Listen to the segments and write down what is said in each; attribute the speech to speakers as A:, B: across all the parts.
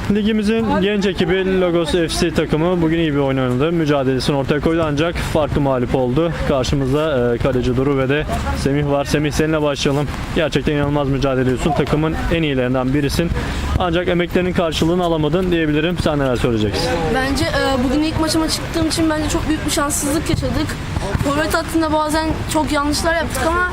A: Ligimizin genç ekibi Logos FC takımı bugün iyi bir oyun oynadı. Mücadelesini ortaya koydu ancak farklı mağlup oldu. Karşımızda kaleci Duru ve de Semih var. Semih, seninle başlayalım. Gerçekten inanılmaz mücadele ediyorsun. Takımın en iyilerinden birisin. Ancak emeklerinin karşılığını alamadın diyebilirim. Sen neler söyleyeceksin?
B: Bence bugün ilk maçıma çıktığım için bence çok büyük bir şanssızlık yaşadık. Forvet hattında bazen çok yanlışlar yaptık ama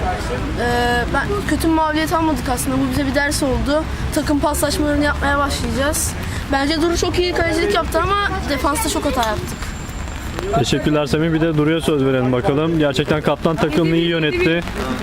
B: ben kötü bir mağlubiyet almadık aslında. Bu bize bir ders oldu. Takım paslaşmalarını yapmaya başlayacağız. Bence Duru çok iyi kalecilik yaptı ama defansta çok hata yaptık.
A: Teşekkürler Semih. Bir de Duru'ya söz verelim bakalım. Gerçekten kaptan takımını iyi yönetti.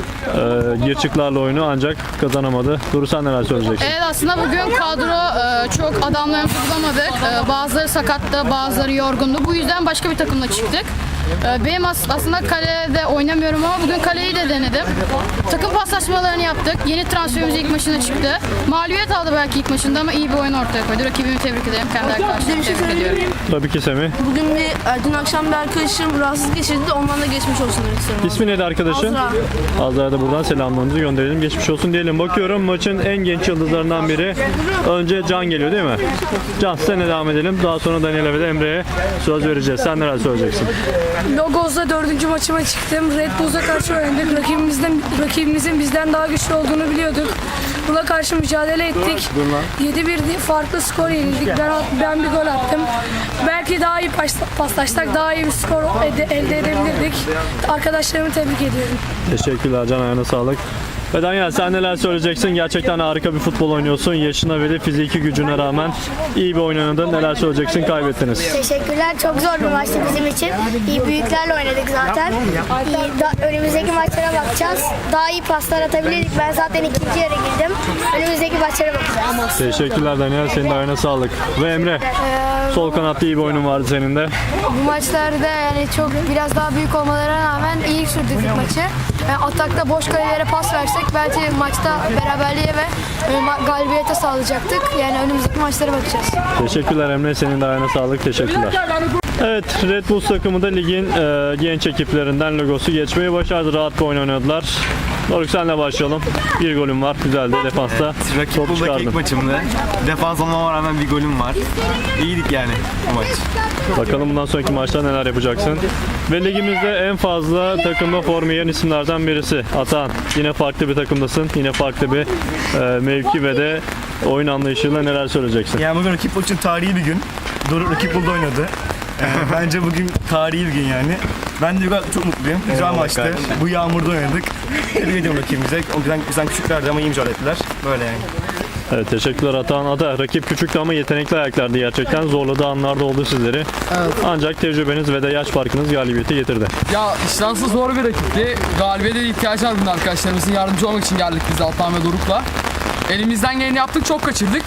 A: Girçiklerle oyunu ancak kazanamadı. Duru, sen neler söyleyeceksin?
C: Evet, aslında bugün kadro çok adamlarımızı bulamadık. Bazıları sakattı, bazıları yorgundu. Bu yüzden başka bir takımla çıktık. Benim aslında kalede oynamıyorum ama bugün kaleyi de denedim. Takım paslaşmalarını yaptık. Yeni transferimiz ilk maçına çıktı. Mağlubiyet aldı belki ilk maçında ama iyi bir oyun ortaya koydu. Rakibimi tebrik ederim. Kendi arkadaşlarımı tebrik ediyorum.
A: Tabii ki Semih.
B: Bugün dün akşam bir arkadaşım rahatsızlık geçirdi. Ondan da geçmiş olsun demek istiyorum.
A: İsmi neydi arkadaşın?
B: Azra.
A: Azra'ya da buradan selamlarımızı gönderelim. Geçmiş olsun diyelim. Bakıyorum maçın en genç yıldızlarından biri. Önce Can geliyor değil mi? Can, seninle devam edelim. Daha sonra Daniel'e ve de Emre'ye söz vereceğiz. Sen neler söyleyeceksin?
D: Logos'da 4. maçıma çıktım. Red Bulls'a karşı oynadık. Rakibimizin bizden daha güçlü olduğunu biliyorduk. Buna karşı mücadele ettik. 7-1 farklı skor yenildik. Ben bir gol attım. Belki daha iyi paslaşsak daha iyi bir skor elde edebilirdik. Arkadaşlarımı tebrik ediyorum.
A: Teşekkürler Can, ayağına sağlık. Ve Daniel, sen neler söyleyeceksin? Gerçekten harika bir futbol oynuyorsun. Yaşına ve de fiziki gücüne rağmen iyi bir oyun oynadın. Neler söyleyeceksin? Kaybettiniz.
E: Teşekkürler. Çok zor bir maçtı bizim için. İyi büyüklerle oynadık zaten. Önümüzdeki maçlara bakacağız. Daha iyi paslar atabilirdik. Ben zaten ikinci yarı girdim. Önümüzdeki maçlara bakacağız.
A: Teşekkürler Daniel. Senin de ayağına sağlık. Ve Emre, sol kanatta iyi bir oyunun vardı senin de.
D: Bu maçlarda yani çok biraz daha büyük olmalarına rağmen iyi sürdürdük maçı. Yani atakta boş kalelere pas versek belki maçta beraberliğe ve galibiyete sağlayacaktık. Yani önümüzdeki maçlara bakacağız.
A: Teşekkürler Emre. Senin de ayağına sağlık. Teşekkürler. Evet, Red Bull takımı da ligin genç ekiplerinden Logos'u geçmeyi başardı. Rahat bir oyun oynadılar. Doruk, senle başlayalım. Bir golüm var. Güzeldi. Defansta
F: Rakip
A: top
F: Bull'daki
A: çıkardın.
F: ilk maçımdı. Defans olmama rağmen bir golüm var. İyiydik yani bu maç.
A: Bakalım bundan sonraki maçta neler yapacaksın. Ve ligimizde en fazla takımda forma giyen isimlerden birisi. Atan. Yine farklı bir takımdasın. Yine farklı bir mevki ve de oyun anlayışıyla neler söyleyeceksin?
G: Yani bugün rakip için tarihi bir gün. Doruk rakip Bull'da oynadı. Bence bugün tarihi bir gün yani. Ben de çok mutluyum. Güzel maçtı. Bu yağmurda oynadık. Tebrik ediyorum rakibimize. O yüzden bizden küçüklerdi ama iyi mücadele ettiler. Böyle yani.
A: Evet, teşekkürler Atan. Ada, rakip küçüktü ama yetenekli ayaklardı gerçekten. Zorladığı anlarda oldu sizleri.
H: Evet.
A: Ancak tecrübeniz ve de yaş farkınız galibiyeti getirdi.
H: Ya iştahsız zor bir rakipti. Galibiyete ihtiyaç var bunun arkadaşlarımızın. Yardımcı olmak için geldik biz Altan ve Doruk'la. Elimizden geleni yaptık, çok kaçırdık.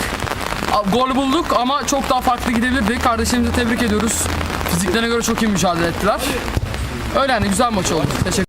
H: Gol bulduk ama çok daha farklı gidebilirdik. Kardeşlerimizi tebrik ediyoruz. Fiziklerine göre çok iyi mücadele ettiler. Öyle yani, güzel maç oldu. Teşekkür